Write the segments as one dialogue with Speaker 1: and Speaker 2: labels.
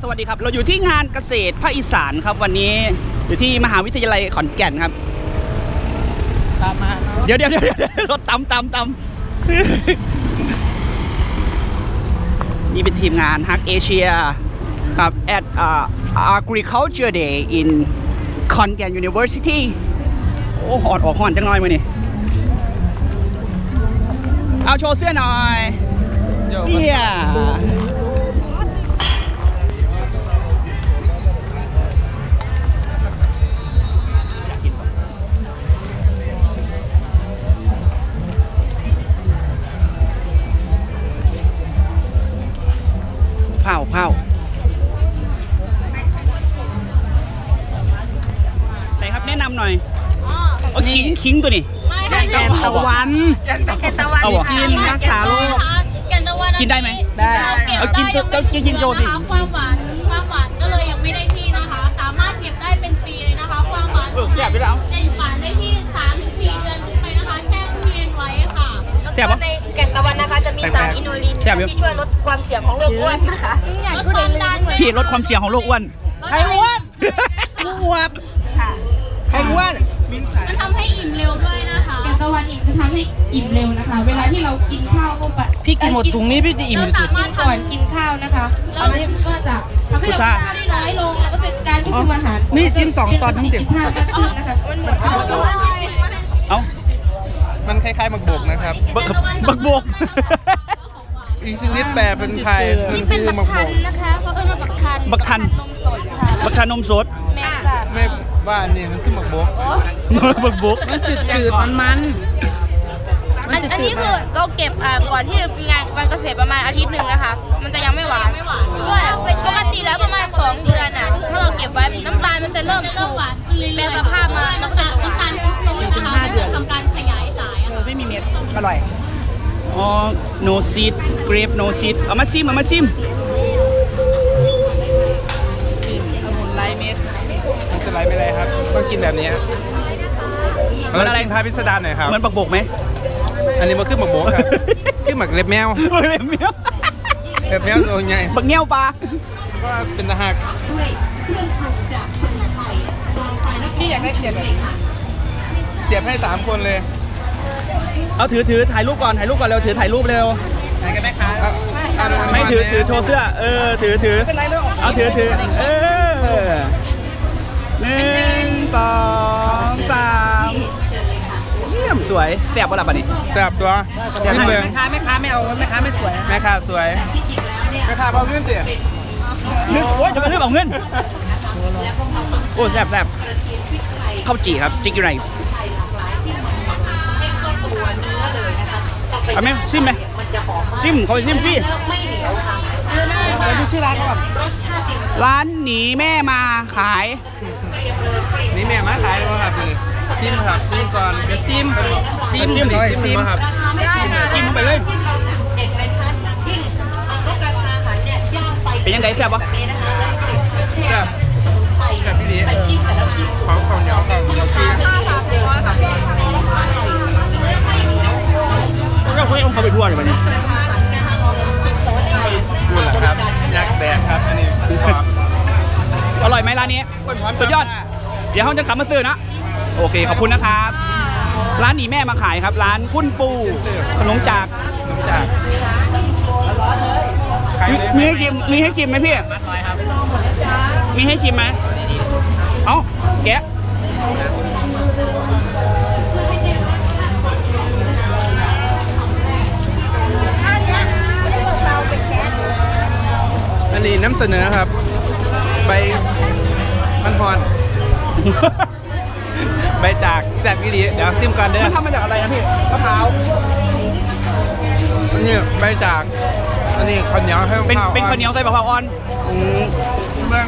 Speaker 1: สวัสดีครับเราอยู่ที่งานเกษตรภาคอีสานครับวันนี้อยู่ที่มหาวิทยาลัยขอนแก่นครับตามมาเดี๋ยวรถตำนี่เป็นทีมงานฮักเอเชียครับ at Agriculture Day in ขอนแก่น University โอ้หออนจังหน่อยมานี่เอาโชว์เสื้อหน่อยเนี่ยเผาไหนครับแนะนำหน่อยเอาขิงตัวนี้
Speaker 2: แกนตะวัน
Speaker 1: เอา
Speaker 2: กินรักษาโรค
Speaker 1: กินได้ไหม
Speaker 2: ได้
Speaker 1: เอากินโจดิ
Speaker 3: ความหวานก็เลยยังไม่ได้ที่นะคะสามารถเก็บได้เป็นปีเลยนะคะความหวาน
Speaker 1: แซ่บไปแล้ว
Speaker 3: ในหวานได้ที่ 3-4 เดือนขึ้นไปนะคะแช่ตู้เย็นไว้ค่ะ
Speaker 1: แล้วก็
Speaker 4: ในแก่นตะวันนะคะจะมีสารอินูลินที่ช่วยลดความเสี่ยงของโรคอ้วนนะคะ
Speaker 3: ลดความดัน
Speaker 1: พี่ลดความเสี่ยงของโรคอ้วน
Speaker 2: ใครอ้วนอ้วนใครอ้วน
Speaker 3: มันทำให้อิ่มเร็วด้วยนะคะ
Speaker 5: แกงตะวันอิ่มจะทำให้อิ่มเร็วนะคะเวลาที่เรากินข้าวเข้าไป
Speaker 2: พี่กินหมดถุงนี้พี่จะอิ่ม
Speaker 5: กินก่อนกินข้าวนะคะอันนี้ก็จะทำให้เราข้าวได้น้อยลงแล้วก็เป็นการควบคุมอาหาร
Speaker 2: นี่ชิม2 ตอนทั้งเต็ม
Speaker 5: มากขึ้นนะคะมันเหมือน
Speaker 1: เอา
Speaker 2: มันคล้ายๆหมักบกนะครับ
Speaker 1: บักบก
Speaker 2: อีกชนิดแปลเป็นไทย
Speaker 5: นี่เป็นบักทันนะคะเขาเอิ้นว่าบักทัน
Speaker 1: นมสดค่ะบักทันนมสด
Speaker 2: ไม่ว่านี่มันคือหมักบก
Speaker 1: บักบก
Speaker 2: มันจืดมัน
Speaker 5: อันนี้คือเราเก็บก่อนที่จะมีงานวันเกษตรประมาณอาทิตย์หนึ่งนะคะมันจะยังไม่หวานด้วยปกติแล้วประมาณ2 เดือนน่ะถ้าเราเก็บไว้น้ำตาลมันจะเริ่ม
Speaker 3: หวานขึ้นเรื่อยๆ
Speaker 5: แปลสภาพมาแล้วก็จะ
Speaker 3: น้ำตาลฟุกโตนะคะจะทำการขยายสาย
Speaker 2: ไม่มีเม็ดอร่อย
Speaker 1: อ๋อ no seed grape no seed เอามาซิม
Speaker 2: องุ่นไร้เม็ดมันจะไร้ไม่ไรครับต้องกินแบบนี้
Speaker 1: มันอะไร
Speaker 2: พาพิสดารหน่อยครับ
Speaker 1: เหมือนบักบกไหม
Speaker 2: อันนี้มันคือหมักบกครับคือหมักเล็บแมว
Speaker 1: เล็บแมว
Speaker 2: ตัวใหญ่
Speaker 1: บักเงี้ยวปลา
Speaker 2: ก็เป็นตะหักพี่อยากได้เสียบให้3 คนเลย
Speaker 1: เอาถือถ่ายรูปก่อนเร็วถือถ่ายรูปเร็ว
Speaker 2: ถ่ายกันไหมคะ
Speaker 1: ไม่ถือโชว์เสื้อถือเอาถือ1 2 3เยี่ยมสวยแซ่บป่ะล่ะบัดนี้
Speaker 2: แซ่บตัว
Speaker 1: แม่
Speaker 2: ค้าไม่เอาแม่ค้าไม่สวยแม่ค้าสวยแม่ค้าเอาเงินเสีย
Speaker 1: โอ้ยจะมาเลือกเอาเงินโอ้แซ่บข้าวจี่ครับสติ๊กเกอร์ไรซ์เอาไหมซิมไหมซิมเขาซิมพี่
Speaker 2: ดูชื่อร้านก่อน
Speaker 1: ร้านหนีแม่มาขาย
Speaker 2: หนีแม่มาขายก็ครับนี่ซิมครับซิมก่อนจะซิมครับซิม
Speaker 1: ไปเลยเป็นยังไงแซ่บปะ
Speaker 2: แซ่บพี่ดีของเหนียวพี่
Speaker 1: ก็คุยเอาเขาไปทั่วเลยวันนี้
Speaker 2: พูดเหรอครับยักษ์แดงครับอันนี้
Speaker 1: อร่อยไหมร้านนี้สุดยอดเดี๋ยวเขาจะกลับมาซื้อนะโอเคขอบคุณนะครับร้านหนีแม่มาขายครับร้านพุ่นปูขนมจากมีให้ชิมไหมพี่มีให้ชิมไหมเอ้าแกะ
Speaker 2: อันนี้น้ำเสนอครับใบมันพรใบจากแซ่บวิลีเดี๋ยวซิมก่อนเด้อ
Speaker 1: มันทำมาจากอะไรนะพี่มะพร้าว
Speaker 2: อันนี้ใบจากอันนี้ข้าวเหนียวให้
Speaker 1: เป็นข้าวเหนียวใส่มะพร้าวอ่อน
Speaker 2: เบื้อง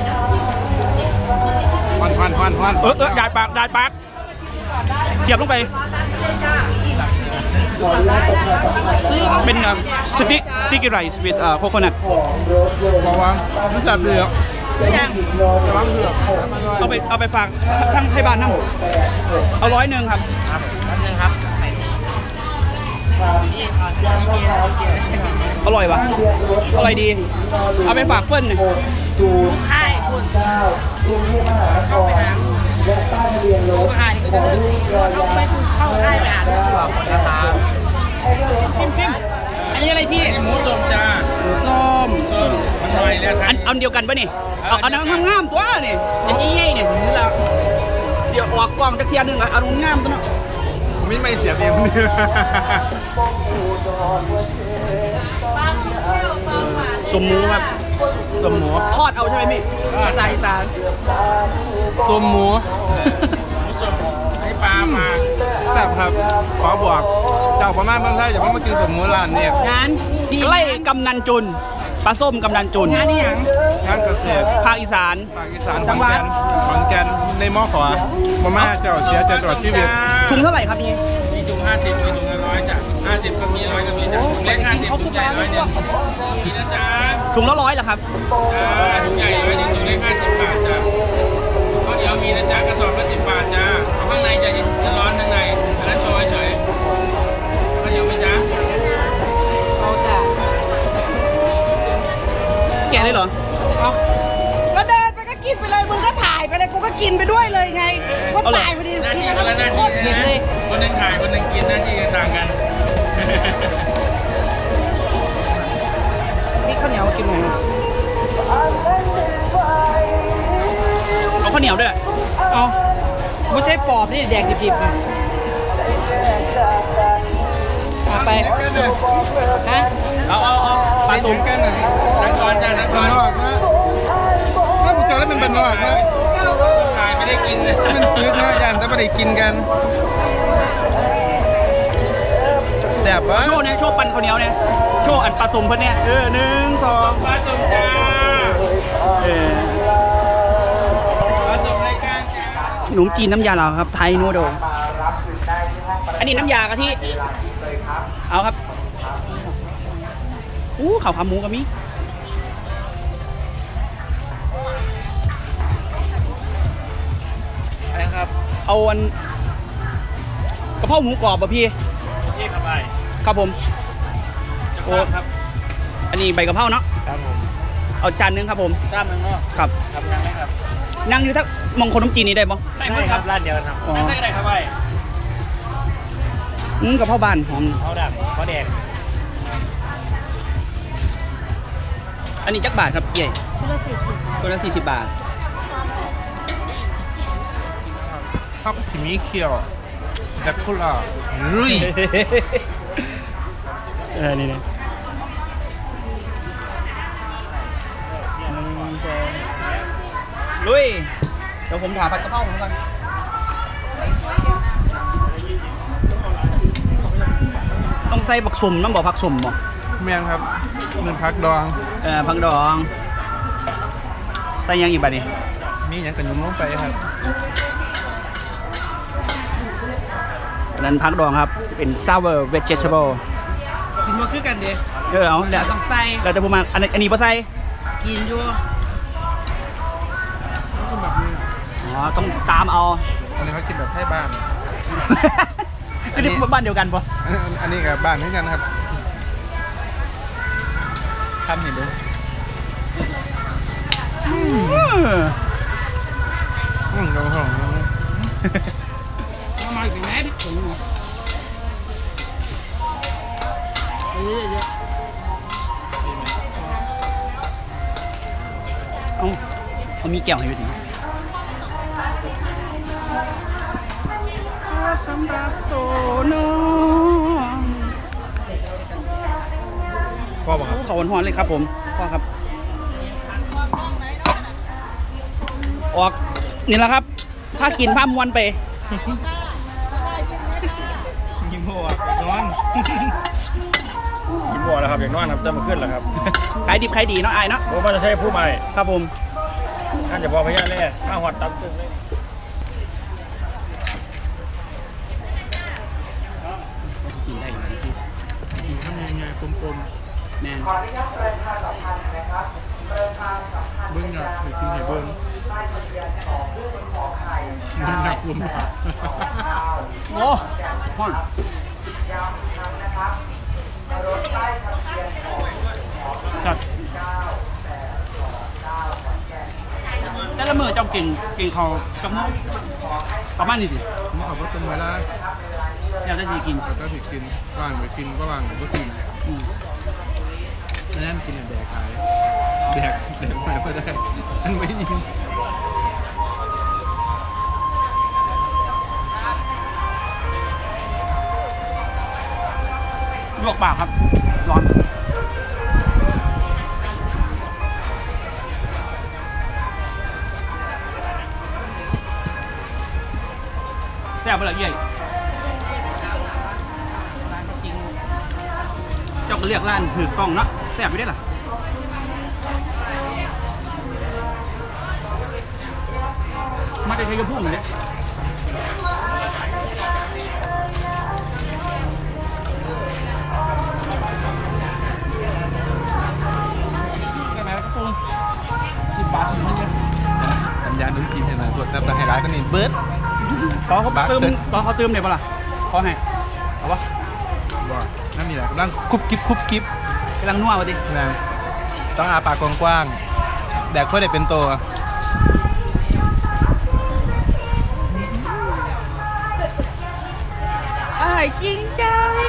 Speaker 2: วัน
Speaker 1: ได้ปากเสียบลงไปเป็นsticky rice with coconut
Speaker 2: บอกว่าไม่แซ่บเลยอ่ะ
Speaker 1: เอาไปฝากทั้งไทยบ้านน้ำเอา100ครับ
Speaker 2: 100ครับ
Speaker 1: อร่อยวะอร่อยดี เอาไปฝากเพื่อนหน่อย
Speaker 5: ใช่คุณ
Speaker 2: เข้าไปหานี่ก็จะเข้าไปค่ายไปหานะครับชิมอันนี้อะไรพี่หมูส้มจ้าหมูส้มมันอร่อยเลยครับ
Speaker 1: อันเดียวกันปะนี่เอาน้ำงามตัวนี่อันนี้ใหญ่เนี่ยเดี๋ยวออกกล้องตะเคียนนึงอะเอางามตัวเนาะ
Speaker 2: ไม่เสียเพียงคนเดียว
Speaker 1: สมหมูครับ
Speaker 2: สมหมู
Speaker 1: ทอดเอาใช่ไหมพี่ภาษาอีสาน
Speaker 2: สมหมูให้ปลามาแซ่บครับขอบอกเจ้าประมาณบางท่านอย่าเพิ่งมากินสมหมูร้านเนี่ย
Speaker 1: งานใกล้กำนันจุนปลาส้มกำนันจุนงานนี้ยัง
Speaker 2: งานเกษตร
Speaker 1: ภาคอีสาน
Speaker 2: ภาคอีสานขอนแก่นในมอขวามาม่าเจ้าเสียใจตลอดชีวิต
Speaker 1: ถุงเท่าไหร่ครับพี่
Speaker 6: มีถุง50มีถุงละ100จ้ะ50ก็มี100ก็มีจ้ะถุงเล็ก50ถุงใหญ่100เนี่ยมีนะจ๊ะ
Speaker 1: ถุงละ100เหรอครับ
Speaker 6: ถุงใหญ่100ถุงเล็ก50 บาทจ้ะข้าวเหนียวมีนะจ๊ะกระสอบละ10 บาทจ้ะข้างในจะร้อนข้างในอันนั้นโชว์เฉยข้าวเหนียวไหมจ๊ะ
Speaker 1: แกะเลยเหรอ
Speaker 7: ก็เดินไปก็กินไปเลย มึงก็ถ่ายไปเลยกูก็กินไปด้วยเลยไงก็ตายพอดี
Speaker 6: หน้า
Speaker 7: กิน
Speaker 6: ที่
Speaker 7: แล้ว
Speaker 6: คนละหน้า
Speaker 7: โค
Speaker 6: ที่
Speaker 7: ตรเผ็ดเลย
Speaker 6: คนหนึงถ่ายคนหนึงกินหน้าที่ต่างกัน
Speaker 7: พี่ข้าวเหนียวกินหน่อยนะ
Speaker 1: เอาข้าวเหนียวด้วย
Speaker 7: เอาไม่ใช่ปอบนี่แดกดิบๆนะเอาไปฮะ
Speaker 1: เอาปลาส้ม
Speaker 2: กันนะ
Speaker 6: นักกรจ้ะนักก
Speaker 2: บ้าน
Speaker 6: ร
Speaker 2: นอกนะถ้าผมเจอแล้วเป็นบ้านนอกนะ
Speaker 6: ถ่ายไม่ได้กินเลย
Speaker 2: มันปึกนะยันแต่ไม่ได้กินกันแซ่บวะ
Speaker 1: โชว์เนี่ยโชว์ปั่นข้าวเหนียวเนี่ยโชว์อันปลาส้มเพิ่นเนี่ย1 2
Speaker 6: ปลาส้มจ้า
Speaker 1: เออ
Speaker 6: ปลาส้มรายการจ้า
Speaker 1: ขนมจีนน้ำยาเราครับไทยนูโดอันนี้น้ำยากะทิเอาครับข้าวขาหมูก็มี
Speaker 6: อะไรครับ
Speaker 1: เอาอันกระเพราหมูกรอบป่ะพี่
Speaker 6: พี่ขับไป
Speaker 1: ครับผม
Speaker 6: จะข้ามครับ
Speaker 1: อันนี้ใบกะเพราเนาะ
Speaker 6: ครับผม
Speaker 1: เอาจานนึงครับผม
Speaker 6: ข้ามมันก็
Speaker 1: ครับ
Speaker 6: ทำยังไงครับ
Speaker 1: นั่งอยู่ทักมองคนน้ำจีนนี่ได้ปะ
Speaker 6: ได้ครับร้านเดียวกันครับ
Speaker 1: อ๋อ
Speaker 6: นั่งได้ครับไป
Speaker 1: กะเพราบ้านหอม
Speaker 6: เขาดำเขาแดง
Speaker 1: อันนี้จักบาทครับใหญ่
Speaker 4: ชุดละ40
Speaker 1: ตัวละ40 บาท
Speaker 2: พักที่มีเขียวแต่คุล่าลุย
Speaker 1: นี่นะลุยเดี๋ยวผมถามผัดกะเพราผมก่อนต้องใส่ผักสุ่มน้ำบอกผักสุ่มบ่
Speaker 2: แมงครับเป็นพักดอง
Speaker 1: ผักดองใส่ยังอีกบัดนี้
Speaker 2: มีอย่างกันยุ่มลงไปครับ
Speaker 1: อันนั้นผักดองครับเป็น sour vegetable
Speaker 7: กินมาคือกันเดี
Speaker 1: เอาแล้ว
Speaker 7: ต้องใส่
Speaker 1: เราจะพูดมาอันนี้บ่ใส่
Speaker 7: กินอยู่
Speaker 1: อ๋อต้องตามเอา
Speaker 2: อันนี้เขากินแบบให้บ้าน
Speaker 1: อันนี้บ้านเดียวกันปะ
Speaker 2: อันนี้กับบ้านเหมือนกันครับทำเห็นดูดูของ
Speaker 7: มาอีกแม่พี่ถุงเยอะ
Speaker 1: เขามีแก้วให้ด้วยดิสำหรับตัวน้องพ่อบอกครับเขาหอนๆเลยครับผมพ่อครับออกนี่แหละครับถ้ากินผ้ามวนไป
Speaker 6: ยิ้มหัวอย่างนอนยิ้มหัวแล้วครับอย่างนอนครับจะมาขึ้นแล้วครับ
Speaker 1: ขายดิบขายดีเนาะอายเนาะ
Speaker 6: ผมว่าจะใช้ผู้ใหม่
Speaker 1: ครับผม
Speaker 6: ท่านจะพอพยานเลยข้าวหอดตับตึงเลย
Speaker 1: กินได้อยู่นะพี่
Speaker 2: ทำยังไงกลม
Speaker 1: แน่น
Speaker 2: ๆเบิ้งอยากไปกินไห่เบิ้งอยากรวม
Speaker 1: โอ้ฮอนจัดแต่ละมือเจ้ากินเขากับมุกประมาณนี้สิ
Speaker 6: ผมขับรถตรงเวลา
Speaker 1: อยากจะทีกิน
Speaker 6: แต่ก็ผิดกินว่างไปกินก็ว่างก็กินนั่นกินแดกขายแดกมาก็ได้อันไม่ยิง
Speaker 1: ลวกปากครับร้อนแซ่บไปเลยเย่เจ้าก็เรียกร้านถือกล้องเนาะแซ่บไปได้หรอมาได้ใช้กระพุ่งเลย10 บาทถึงเยอะ
Speaker 6: สัญญาณนุ่มจีนเห็นไหมพวกแต่ไฮไลท์ก็นี่เบิร์ด
Speaker 1: ขอเขาเติมได้ปะล่ะขอให้เอาปะ
Speaker 6: ว่านั่นนี่แหละกำลังคุบกิ๊บ
Speaker 1: กำลังนัววะดิ
Speaker 6: นะต้องอาปากกว้างๆแดกเพื่อได้เป็นตัว
Speaker 7: จริงใจ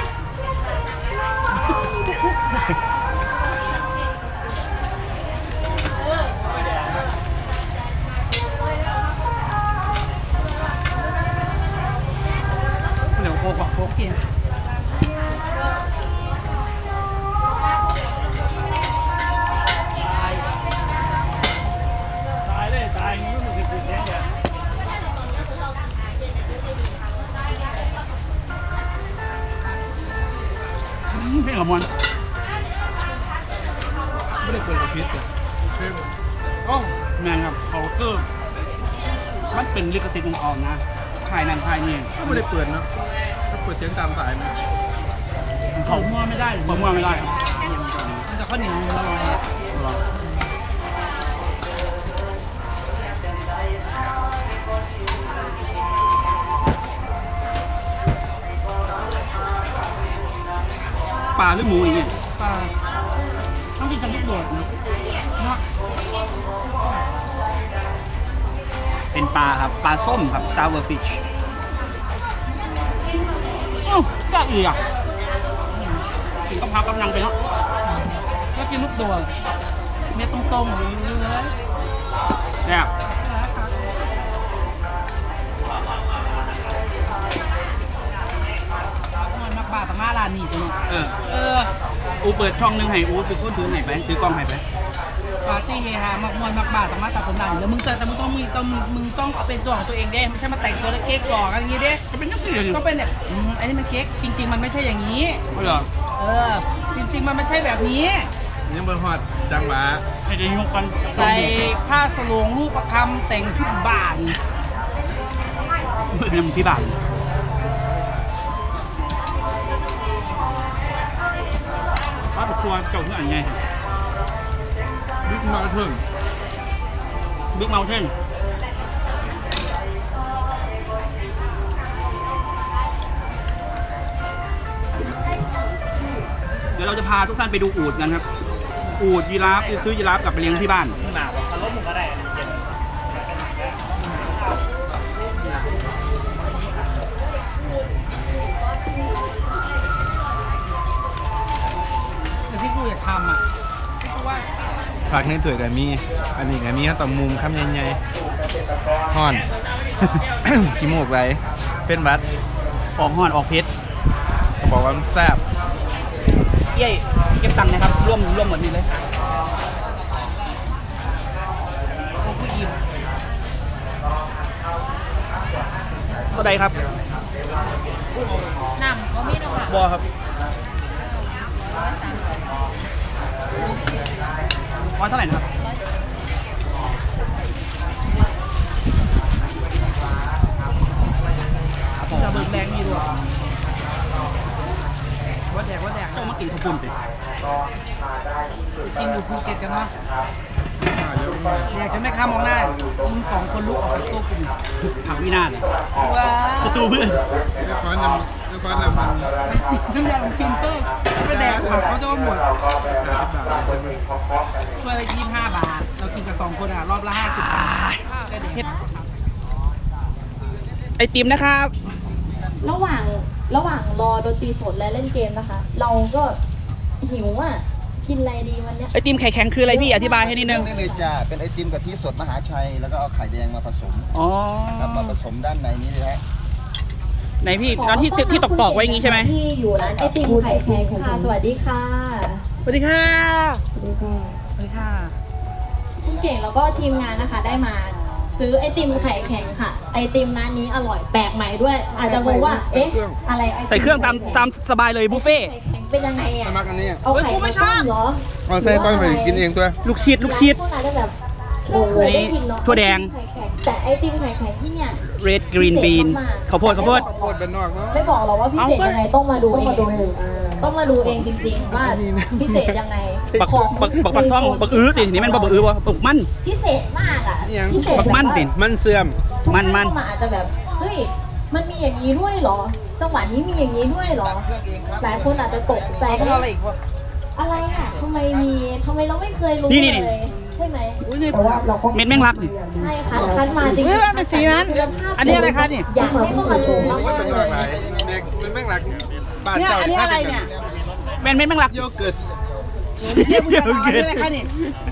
Speaker 1: เดี๋ยวโคกโคกกินเพลงละมวน
Speaker 6: ไม่ได้เปิดกระพริบเลย
Speaker 1: ก็แมนครับเขาเกิร์มันเป็นลิขสิทธิ์ของเขานะถ่ายนั่นถ่ายนี่
Speaker 6: ก็ไม่ได้เปิดเนาะถ้าเปิดเสียงตามสายมัน
Speaker 1: เขามั่วไม่ได้มั่วไม่ได้
Speaker 7: มันจะข้าวเหนียวอร่อย
Speaker 1: ปลาหรือหมูอย่างเงี้ย
Speaker 7: ปลาต้องกินกับลูกโดดนะเนาะ
Speaker 1: เป็นปลาครับปลาส้มครับ sour fish อ้าวก็อีกอ่ะกินกะเพรากำลังไปเนาะ
Speaker 7: ก็กินลูกโดดเม็ดตรงๆเลย
Speaker 1: แซ่บ
Speaker 7: มันมักบาตมาร้านนี้จัง
Speaker 1: อูเปิดช่องหนึงให้อูเป็นคนถือให้ไปถือกล้องให้ไป
Speaker 7: ปาร์ตี้เฮฮามากมวนมักบาตมาตัดผมดันแล้วมึงต้องเป็นตัวของตัวเองได้ไม่ใช่มาแต่งตัวแล้วเก๊กหลอกอะไรอย่างงี้ดิ
Speaker 1: จะเป็นนักเรียน
Speaker 7: ก็เป็นแบบอันนี้มันเก๊กจริง ๆ มันไม่ใช่อย่างนี้
Speaker 1: เหรอ
Speaker 7: จริง ๆ มันไม่ใช่แบบนี้
Speaker 6: ยังเบอร์ฮอดจังหวะ
Speaker 1: ให้ได้ยกกัน
Speaker 7: ใส่ผ้าสลงรูปประคำแต่งทุกบ้าน
Speaker 1: เรื่องพี่บ่าวป้าตัวเจ้าเพื่อนไง
Speaker 6: บิ๊กมาเถิง
Speaker 1: บิ๊กเมาเทนเดี๋ยวเราจะพาทุกท่านไปดูอูฐกันครับ อูฐยีราฟซื้อยีราฟกลับไปเลี้ยงที่บ้าน
Speaker 7: แต่ที่กูอยากทำอ่ะที่กูว่า
Speaker 6: ผักในถ้วยกับมี อันนี้กับมีข้าวต้มมุมคำใหญ่ๆห่อน ขี้มูกไรเป็นบัด
Speaker 1: ออกห่อนออกเพชร
Speaker 6: เขาบอกว่ามันแซ่บ
Speaker 1: เย้เก็บตังค์นะครับร่วมหมดนี้เลย
Speaker 7: กูอิ่ม
Speaker 1: เท่าใดครับ
Speaker 5: น้ำก็มีนะค่ะ
Speaker 1: บอครับร้อยเท่าไหร่นะครับ
Speaker 7: จะเบิกแดงดีด้วยว่าแดก
Speaker 1: เจ้ามากินข้าวปุ้นสิ
Speaker 7: กินอยู่ภูเก็ตกันเนาะอยากจะไม่ข้ามมองหน้ามึง2 คนลุกออกจากตัวกู
Speaker 1: ผักวินาศ
Speaker 7: ว้า
Speaker 1: ศัตรูเพื่อน
Speaker 6: เรียกว่าน้ำก้อนละพัน
Speaker 7: น้ำยาลูกชิ้นเต้ไม่แดงผักเขาจะว่าหมดถ้วยละ25 บาทเรากินกับ2 คนอ่ะรอบละ50 บาทก็เด็ด
Speaker 1: ไอติมนะครับ
Speaker 4: ระหว่างรอดนตรีสดและเล่นเกมนะคะ เราก็หิวอ่ะกินอะไรดีวันเนี้ย
Speaker 1: ไอติมไข่แข็งคืออะไรพี่อธิบายให้นิดนึง
Speaker 8: ได้เลยจ้าเป็นไอติมกะทิสดมหาชัยแล้วก็เอาไข่แดงมาผสม
Speaker 1: อ๋อ
Speaker 8: ครับมาผสมด้านในนี้เลยฮะ
Speaker 1: ไหนพี่ร้านที่ตอกไว้อย่างงี้ใช่ไหม
Speaker 4: ที่อยู่ร้านไอติมไข่แข็งค่ะสวัสดีค่ะ
Speaker 7: สวัสดีค่ะ
Speaker 4: สวัสดีค่ะ
Speaker 7: สวัสดีค่ะ
Speaker 4: คุณเก่งแล้วก็ทีมงานนะคะได้มาซื้อไอติมไข่แข็งค่ะ ไอติมร้านนี้อร่อยแปลกใหม่ด้วย อาจจะงงว่าเอ๊ะอะไรไอติม
Speaker 1: ใส่เครื่องตามสบายเลยบุฟเฟ่ต์
Speaker 4: ไข่แข็งเป็นยังไงอ่ะ
Speaker 6: มากันนี่
Speaker 4: เอาไข่มาต้มเหรอ
Speaker 6: เอาใส่ก้อนไปกินเองตัว
Speaker 1: ลูกชิด
Speaker 4: หลายคนอาจจะแบบเคยได้กินเนาะ
Speaker 1: ถั่วแดง
Speaker 4: ไข่แข็งแต่ไอติมไข่แข็งที่เนี่ย
Speaker 1: red green bean ข้าวโพด
Speaker 6: โคตรเป็นนอกเนาะ
Speaker 4: ไม่บอกหรอกว่าพิเศษยังไงต้องมาดูเองต้องมาดูเองจริงๆว่าพิเศษยังไง
Speaker 1: บัก
Speaker 4: ของ
Speaker 1: ฟักทองบักอื้อตินี่มันบักอื้อวะบักมัน
Speaker 4: พิเศษมากอ่ะพิเศษ
Speaker 1: บักมันสิ
Speaker 6: มันเสื่อม
Speaker 4: ทุก
Speaker 1: มั
Speaker 4: ท่าน นเข้ามาอาจจะแบบเฮ้ยมันมีอย่างนี้ด้วยเหรอ จังหวะนี้มีอย่างนี้ด้วยเหรอ
Speaker 8: เครื่องเองครับ
Speaker 4: หลายคนอาจจะตกใจ
Speaker 7: เอาอะไรอีกวะ
Speaker 4: อะไรอ่ะทำไมเราไม่เคยรู้
Speaker 1: นี่
Speaker 4: เลยใช่ไหม
Speaker 7: อุ้ยนี่
Speaker 1: เม็ดแมงลักนี่
Speaker 4: ใช่ค่ะคันมาจริง
Speaker 7: เฮ้ยมันเป็นสีนั้นอันนี้อะไรคะนี่
Speaker 4: อยากให้เข้ามาชมมาก
Speaker 6: เป็น
Speaker 4: ๆ
Speaker 6: น
Speaker 4: เล
Speaker 6: อก
Speaker 4: ย
Speaker 6: หลายเด็กเป็นแม่งหลักบ้าน
Speaker 7: เนี่ย
Speaker 6: เจ้า
Speaker 7: อันนี้อะไรเนี่ย
Speaker 1: เม็ดแมงลัก
Speaker 6: โยเกิร์ต
Speaker 7: เรียกคุณจะเอาอันนี้อะไรคะนี่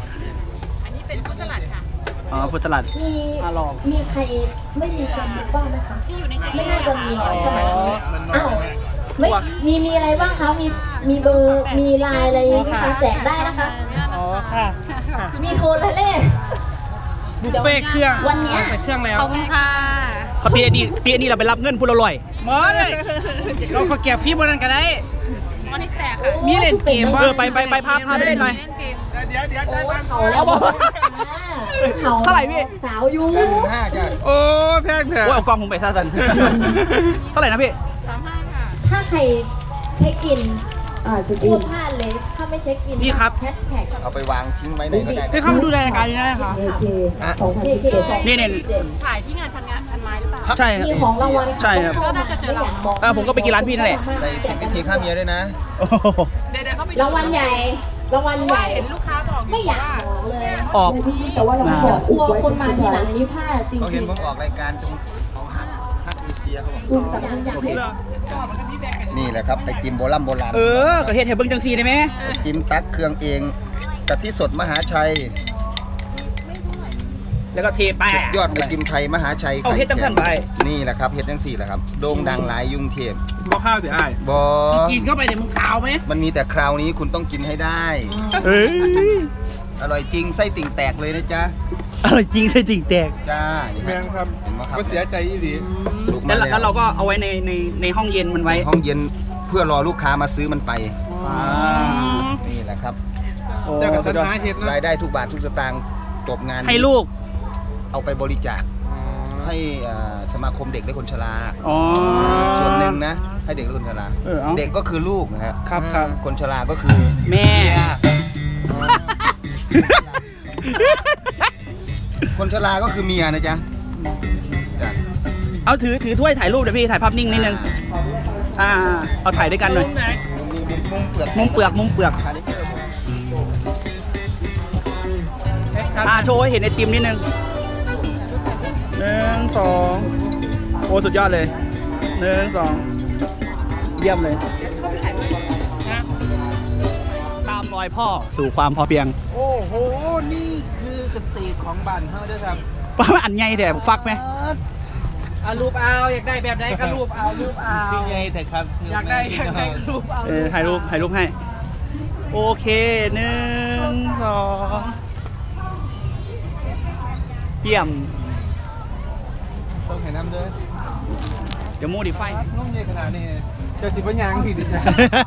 Speaker 1: อ๋อพุทธสลัด
Speaker 4: มีใครไม่มีกันบ้างไหมคะไม่น่าจะมีใช่ไหมอ้าวไม่มีอะไรบ้างคะมีเบอร์มีไลน์อะไรไหมคะแจกได้นะคะ
Speaker 7: อ๋อค่ะ
Speaker 4: มีโทรและเลข
Speaker 7: บุฟเฟ่เครื่อง
Speaker 4: วันเนี้ย
Speaker 7: ใส่เครื่องแล้ว
Speaker 5: ขอบคุณค่ะ
Speaker 1: เขาตีอันนี้เราไปรับเงินพูดอร่อย
Speaker 7: หมอเลยเราก็แก็บฟรีบนนั้นก็ได้
Speaker 5: วันนี้แจกค่ะ
Speaker 7: มีเล่นเกมบ้าง
Speaker 1: ไปพาไปเล่นหน่อย
Speaker 5: เล่นเกม
Speaker 6: เดี๋ยว
Speaker 4: เขาแล้วบอกเขา
Speaker 1: เท่าไหร่พี่
Speaker 4: สาวยู
Speaker 8: 35,000จ้า
Speaker 6: โอ้แพงแท้
Speaker 1: โอ้ยเอากล้องผมไปซะสัน เท่าไหร่นะพี่
Speaker 4: ถ้าใครเช็คอินพูดพลาดเลยถ้าไม่เช็คอิน
Speaker 1: พี่ครับ
Speaker 4: แฮชแท็ก
Speaker 8: เอาไปวางทิ้งไว้ไหนก็ได้
Speaker 7: ให้เข้ามาดูรายการนี้ได้ค่ะ
Speaker 8: อ่ะ
Speaker 1: นี่
Speaker 7: ถ่ายที่งานพันไม้หรือเปล่า
Speaker 1: ใช่
Speaker 4: มีของรางวัล
Speaker 1: ใช่ครับ
Speaker 4: ก็น่าจะเจอเรา
Speaker 1: ผมก็ไปกินร้านพี่นั่นแหละ
Speaker 8: ใส่10วิธีฆ่าเมียด้วยนะ
Speaker 1: โอ้โห
Speaker 4: รางวัลใหญ่รางวัลใหญ่เห็นลูกค้าบอกไม่อยากบอกเลย
Speaker 1: ออก
Speaker 4: แต่ว่าเราบอกกลัวคนมาทีหลังนี้พลาดจริง
Speaker 8: เขา
Speaker 4: ๆ
Speaker 8: เห็นผมออกรายการตรงของฮักเอเชียเขาบอก
Speaker 4: อยากให้
Speaker 8: นี่แหละครับไอติมโบราณ
Speaker 1: ก็เฮ็ดให้เบิ่งจังซี่ได้ไหม
Speaker 8: ไอติมตักเครื่องเองกะทิสดมหาชัย
Speaker 1: แล้วก็เทแป้ง
Speaker 8: ยอดไอติมไทยมหาชัย
Speaker 1: เอาเฮ็ดจังซั่นไป
Speaker 8: นี่แหละครับเฮ็ดจังสี่แหละครับโด่งดังหลายยุ่งเทพ
Speaker 6: บอกข้าวสิไอ้
Speaker 8: บอ
Speaker 7: กินเข้าไปเดี๋ยวมึงขาวไหม
Speaker 8: มันมีแต่คราวนี้คุณต้องกินให้ได้
Speaker 1: เอ้ย
Speaker 8: อร่อยจริงไส้ติ่งแตกเลยนะจ๊ะ
Speaker 1: อร่อยจริงเลยจริงแตก
Speaker 8: จ้า
Speaker 6: แมงครับ
Speaker 8: เห็นไหมครับ
Speaker 6: ก็เสียใจอีดี
Speaker 8: สุกมา
Speaker 1: แล้วเราก็เอาไว้ในห้องเย็นมันไว้
Speaker 8: ห้องเย็นเพื่อรอลูกค้ามาซื้อมันไป
Speaker 1: อ่า
Speaker 8: นี่แหละครับ
Speaker 1: โอ้
Speaker 6: เจ้ากับ
Speaker 1: สุ
Speaker 6: สั
Speaker 1: ด
Speaker 6: น
Speaker 1: ยอด
Speaker 6: หาเห็ดนะ
Speaker 8: รายได้ทุกบาททุกสตางค์จบงาน
Speaker 1: ให้ลูก
Speaker 8: เอาไปบริจาคให้สมาคมเด็กและคนชรา
Speaker 1: อ๋อ
Speaker 8: ส่วนหนึ่งนะ ให้เด็กและคนชรา
Speaker 1: เอา
Speaker 8: เด็กก็คือลูกนะฮะ
Speaker 1: ครับครับ
Speaker 8: คนชราก็คือ
Speaker 1: แม่
Speaker 8: คนชราก็คือเมียนะจ๊ะจ้ะ
Speaker 1: เอาถือถ้วยถ่ายรูปเดี๋ยวพี่ถ่ายภาพนิ่งนิดนึงเอาถ่ายด้วยกันหน่อย
Speaker 8: มีมุมเปลือก
Speaker 1: มุมเปลือก
Speaker 8: คาแรคเตอร์ผม
Speaker 1: โชว์ให้เห็นไอติมนิดนึง1 2โอ้สุดยอดเลย1 2เยี่ยมเลยตามรอยพ่อสู่ความพอเพียง
Speaker 7: โอ้โห นี่คือเกษตรของบ้านเฮาด้วยครับ
Speaker 1: ป้าอันใหญ่แต่ฟักไหม
Speaker 7: เอารูปเอาอยากได้แบบไหนก็รูปเอารูปเอา
Speaker 8: คือไงแต่ครับ
Speaker 7: อยากได้รูปเอา
Speaker 1: ถ่ายรูปให้โอเค1 2เยี่ยม
Speaker 6: ต้องเห็นน้ำด้วย
Speaker 1: เดี๋ยวมูดิไฟ
Speaker 6: นุ่มใหญ่ขนาดนี้เจ้าสิบยังผิดจ้ะ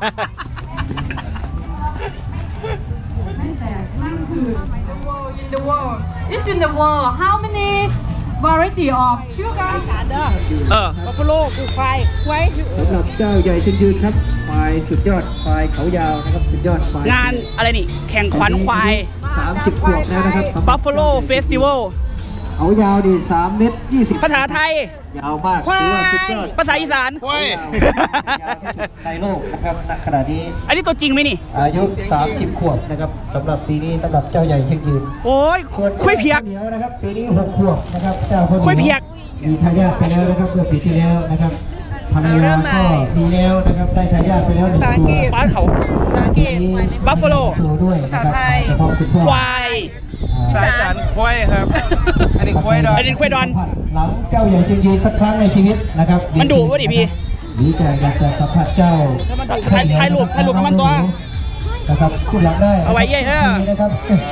Speaker 3: In the world it's in the world how many variety of sugar
Speaker 7: บัฟฟาโลกูควาย
Speaker 9: สำหรับเจ้าใหญ่เชิงยืนครับควายสุดยอดควายเขายาวนะครับสุดยอดควาย
Speaker 1: งานอะไรนี่ แข่งขวัญควาย
Speaker 9: 30 ขวบแล้วนะครับสำหรับ
Speaker 1: Buffalo Festival
Speaker 9: เขายาวดี3 เมตร 20
Speaker 1: ภาษาไทย
Speaker 9: ยาวมากถือว่าสุดยอด
Speaker 1: ภาษาอีสาน
Speaker 9: ยาวที่สุดในโลกนะครับณขณะนี้
Speaker 1: อันนี้ตัวจริงไหมนี่
Speaker 9: อายุ30 ขวบนะครับสำหรับปีนี้สำหรับเจ้าใหญ่เชียงยืน
Speaker 1: โอ้ย
Speaker 9: ส่วน
Speaker 1: คุยเพียก
Speaker 9: เดียวนะครับปีนี้6 ขวบนะครับเจ้าคน
Speaker 1: คุยเพียก
Speaker 9: มีทายาทไปแล้วนะครับเมื่อปีที่แล้วนะครับภรรยาก็มีแล้วนะครับได้ทายาทไปแล้ว1 ตัว
Speaker 1: บ้านเขา
Speaker 7: ภาษาอังกฤษ
Speaker 1: บัฟฟาโล
Speaker 9: ตัวด้วยนะครับ
Speaker 7: ภาษาไทย
Speaker 9: เฉพาะคุณพ่อ
Speaker 1: ควาย
Speaker 8: สายสารควายครับ อันนี้ควายดอน
Speaker 1: อันนี้ควายดอน
Speaker 9: หลังเจ้าใหญ่เชียงยืนสักครั้งในชีวิตนะครับ
Speaker 1: มันดุวะดิพี่
Speaker 9: ดีใจอยากจะสัมผัสเจ้า
Speaker 1: ถ่ายรูปกับมันตัว
Speaker 9: นะครับคุณหลังได้
Speaker 1: เอาไว้เย้ๆ
Speaker 9: ดีนะครับ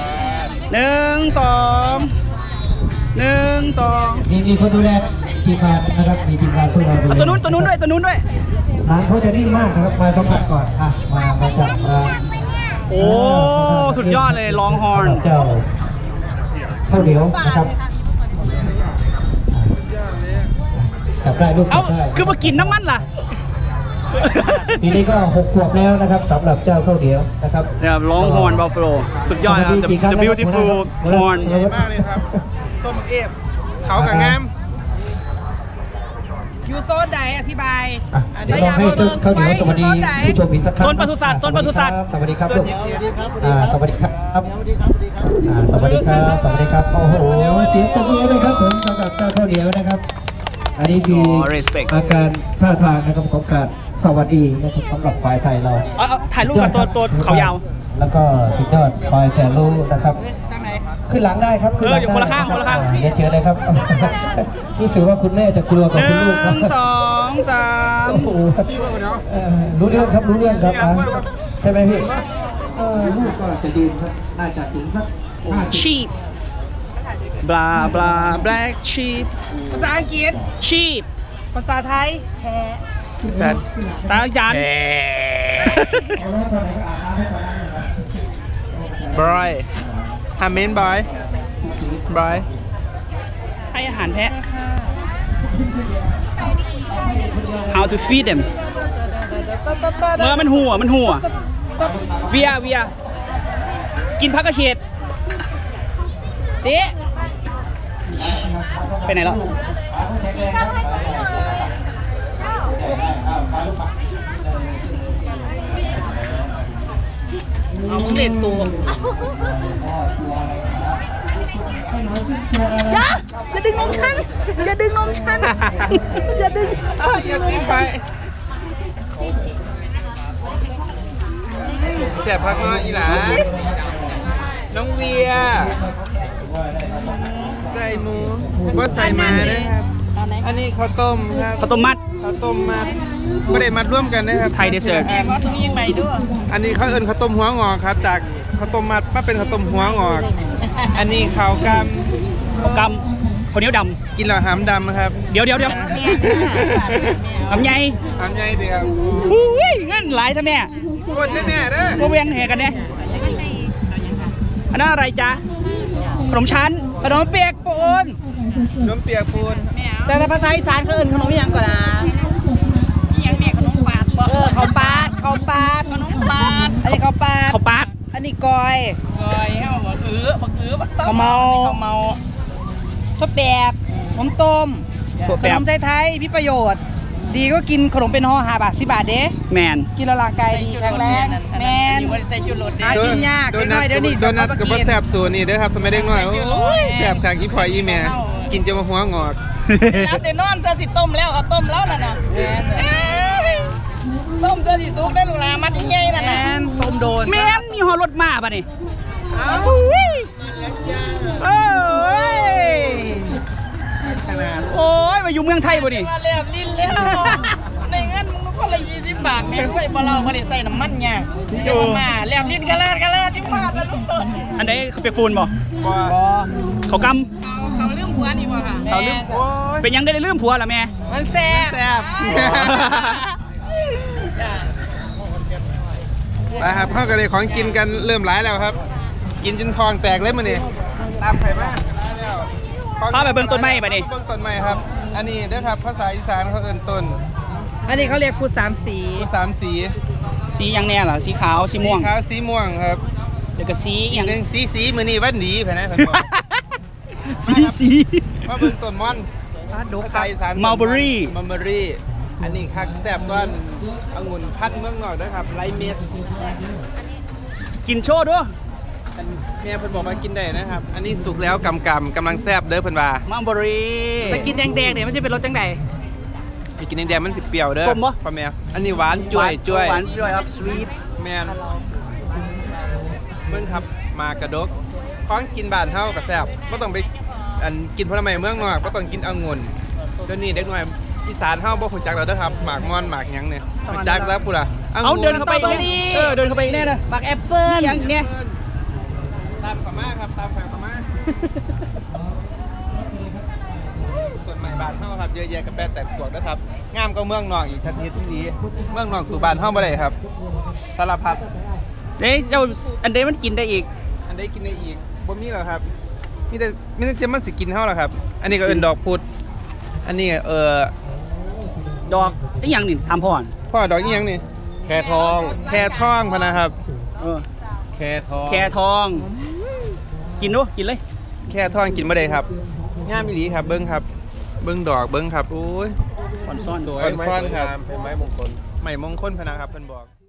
Speaker 1: 1 2 1 2
Speaker 9: มีคนดูแลทีมงานนะครับมีทีมงานพวกเราดูแล
Speaker 1: เอาตัวนู้นด้วย
Speaker 9: ร้านเขาจะนิ่มมากนะครับมาสัมผัสก่อนอ่ะมาจับมา
Speaker 1: โอ้สุดยอดเลยลองฮอร์น
Speaker 9: เจ้าข้าวเหนียวนะครับจับได้ลูก
Speaker 1: เอ้า
Speaker 9: จับได้
Speaker 1: คือมากินน้ำมันล่ะ
Speaker 9: ปีนี้ก็6 ขวบแล้วนะครับสำหรับเจ้าข้าวเหนียวนะครับ
Speaker 1: เนี่ยลองฮอร์นบัฟฟาโลสุดยอดครับ The beautiful horn
Speaker 8: มากเลยครับ ต้มเอฟเขากับงาม
Speaker 7: อยู่โซนไหนอธิบาย
Speaker 9: อ่ะเดี๋ยวเราให้ตึ๊กข้าวเหนียวสวัสดีผู้ชมอีกสักครั้ง
Speaker 1: โซนปศุสัตว์โซนปศุสัตว์
Speaker 9: สวัสดีครับลูกสวัสดีครับสวัสดีครับสวัสดีครับโอ้โหเสียงตบมือเลยครับผมสำหรับเจ้าข้าวเหนียวนะครับ อันนี้คือ
Speaker 1: respect
Speaker 9: อาการท่าทางนะครับของการสวัสดีนะครับสำหรับฝ่ายไทยเรา
Speaker 1: เอาถ่ายรูปกับตัวเขายาว
Speaker 9: แล้วก็สุดยอดฝ่ายแสนรู้นะครับ
Speaker 7: ทางไหน
Speaker 9: ขึ้นหลังได้ครับขึ้นหลัง
Speaker 1: อยู่คนละข้าง
Speaker 9: ได้
Speaker 1: คนละข้าง
Speaker 9: เรียนเชิญเลยครับ รู้สึกว่าคุณแม่จะกลัวกับคุณลูกครับ
Speaker 1: 1 2 3
Speaker 9: โอ้โหรู้เรื่องครับรู้เรื่องครับใช่ไหมพี่ลูกก็จะยืนครับน่าจะถึงสัก50
Speaker 1: sheep bla bla black sheep
Speaker 7: ภาษาอังกฤษ
Speaker 1: sheep
Speaker 7: ภาษาไทยแพ้
Speaker 1: สัตว์ตายัน
Speaker 9: เอาแล้วตอนไหนก็อาบน้ำให้ตอนนั้นเลยครับ
Speaker 6: บรอยฮามินบอยบรอย
Speaker 1: ให้อาหารแพะ how to feed them เมื่อมันหัวเวียกินผักกระเฉด
Speaker 7: เจ๊
Speaker 1: ไปไหนแล้วเอามึงเล่นตัวอย่าดึงนมฉันอย่าดึงนมฉันอย่าดึงอย่าตีไป
Speaker 6: แสบพักน้อยอีหลาน้องเวีย ใส่หมูว่าใส่มาด้วยครับ อันนี้ข้าวต้มครับ
Speaker 1: ข้าวต้มมัด
Speaker 6: ข้าวต้มมัดไม่ได้มัดร่วมกันนะครับ
Speaker 1: ไทยเดสเซอร์
Speaker 6: อันนี้เขาเอิ้นข้าวต้มหัวงอกครับ จากข้าวต้มมัดมาเป็นข้าวต้มหัวงอก อันนี้ข้าวก
Speaker 1: ข้าวกำข้าวเหนียวด
Speaker 6: ำกินแล้วหำดำครับ
Speaker 1: ำเดี๋ยวทำไง
Speaker 6: หำใหญ่ดีครับ
Speaker 1: อุ้ยเงินหลายท่านแม่
Speaker 6: กดได้แม่เด้อ
Speaker 1: พวกเวียงแห่กันเนี่ยอันนั้นอะไรจ๊ะขนมชั้น
Speaker 7: ขนมเปียกปูน
Speaker 6: น้ำเปียกปูน
Speaker 7: แต่ภาษาอีสานเขาเอิ้นขนมยังก่อนนะยังแม่ขนมปาดบ่ข้าวปาดขนมปาดอันนี้ข้าวปาด
Speaker 1: ข้าวปาด
Speaker 7: อันนี้กอยข้าวเมาข้าวแปบขนมต้ม
Speaker 1: ถั่ว
Speaker 7: ข
Speaker 1: แป
Speaker 7: น
Speaker 1: บ
Speaker 7: มไทยๆมีประโยชน์ ดีก็กินขนมเป็นห่อ5 บาท10 บาทเด้
Speaker 1: แมน
Speaker 7: กินแล้วร่างกายดีแข็งแรงแมนหากินยาก
Speaker 6: โด
Speaker 7: เด็ก
Speaker 6: นั
Speaker 7: น้
Speaker 6: ท
Speaker 7: อยเดี๋ยวนี้
Speaker 6: โดนัท
Speaker 7: เขา
Speaker 6: กับ
Speaker 7: กิ
Speaker 6: ว่าแสบสูนี่เด้อครับสมัยเด็กน้อยโอ้ยแสบขากอีพอยอีแม่กินจะมาหัวงอก
Speaker 10: น้ำเดี๋ยวนอนเจอสิต้มแล้วเอาต้มแล้วน่ะต้มเจอสิซุกได้ลูกหลามัดใหญ่นั่น
Speaker 7: แม
Speaker 10: น่ะ
Speaker 7: นต้มโดน
Speaker 1: แม่นมีหอรถมาป่ะนี่โอ้ยมาอยู่เมืองไทยป่ะนี่
Speaker 10: มาเรียบลิ้นแล้วในเงินมึงคนละ20 บาทแม่งใส่บ่เราบ่ได้ใส่น้ำมันเนี่ยเดี๋ยวมาเรียบลิ้นกะเลิศที่มาแล้วลูก
Speaker 1: อันไหนเขาเปียกปูนบ่เขาก
Speaker 10: เขาเรื่องหัวนี่บ่ค่ะ
Speaker 1: ำเขาลืมเป็นยังได้ลืมผัวล่ะแม่
Speaker 7: มันแซ่บ
Speaker 6: แสบนะครับเขาก็เลยของกินกันเริ่มหลายแล้วครับ กินจนทองแตกเลยมื้อนี้ตามไข่มา
Speaker 1: พาไปเบิ่งต้นไม้ป่ะนี่
Speaker 6: เบิ่งต้นไม้ครับ อันนี้เด้อครับภาษาอีสานเขาเอิ้นต้น
Speaker 7: อันนี้เขาเรียกพูด3 สี
Speaker 6: ผู้สามสี
Speaker 1: สียังแน่ล่ะสีขาวสีม่วง
Speaker 6: สีขาวสีม่วงครับ
Speaker 1: เดี๋ยวก็สี
Speaker 6: อี
Speaker 1: ยั
Speaker 6: ก
Speaker 1: ง
Speaker 6: หนึ่งสีมื้อนี้วันดีแผ่นนะเพิ่นบอก
Speaker 1: สี
Speaker 6: มาเบิ่งต้นม่อนไทยสาร
Speaker 1: Mulberry
Speaker 6: มัลเบอรี่อันนี้คักแซ่บก้อนองุ่นพันธุ์เมืองนอกด้วยครับไลเมส
Speaker 1: กินโชว์ด้วย
Speaker 6: แม่เพิ่นบอกว่ากินได้นะครับ อันนี้สุกแล้วกำลังแซ่บเด้อเพิ่นว่า
Speaker 1: มัลเบอรี่
Speaker 7: ไปกินแดงๆเนี่ยมันจะเป็นรสจังได
Speaker 6: ไปกินแดงๆมันสิเปรี้ยวเด้อ
Speaker 1: ส้มบ่
Speaker 6: พ่อแม่อันนี้หวานจ้วยจ้วย
Speaker 1: หวานจ้วยครับสวีท
Speaker 6: แม่นเบิ่งครับมากระดกของกินบ้านเฮาก็แซ่บบ่ต้องไปอันกินผลไม้เมืองนอกบ่ต้องกินองุ่นเดี๋ยวนี้เด็กน้อยอีสานเฮาบ่ฮู้จักแล้วเด้อครับหมากม่อนหมากหยังเนี่ยฮู้จักแล้วพุ่นล่ะ
Speaker 1: เอาเดินเข้าไปอีกแน่เดินเข้าไปอีกแน่นะ
Speaker 7: บักแอปเปิ้ล
Speaker 1: อย่างเนี้ย
Speaker 6: ตามเขามาครับตามเขามาส่วนใหม่บ้านเฮาครับเยอะแยะกับแปดแต่ขวดนะครับงามก็เมืองนอกอีกทัศนีที่ดีเมืองนอกสู่บ้านเฮาบ่ได้ครับสารพัด
Speaker 1: เด้เจ้าอันเดมันกินได้อีก
Speaker 6: อันใดกินได้อีกบ่มีหรอกครับมีแต่มันสิกินเฮาล่ะครับ อันนี้ก็เอิ้นดอกพุดอันนี้
Speaker 1: ดอกไอ้ยังนี่ทำพ่อน
Speaker 6: พ่อดอกอีหยังนี่แค่ทองพะนะครับ แค่ทอง
Speaker 1: แคทอง กินดูกินเลย
Speaker 6: แค่ทองกินบ่ได้ครับงามอีหลีครับเบิ่งครับเบิ่งดอกเบิ่งครับโอ้ย
Speaker 1: อ่อนซ่อน
Speaker 6: อ่อนซ่อนครับเป็นไม้มงคลพะนะครับเพิ่นบอก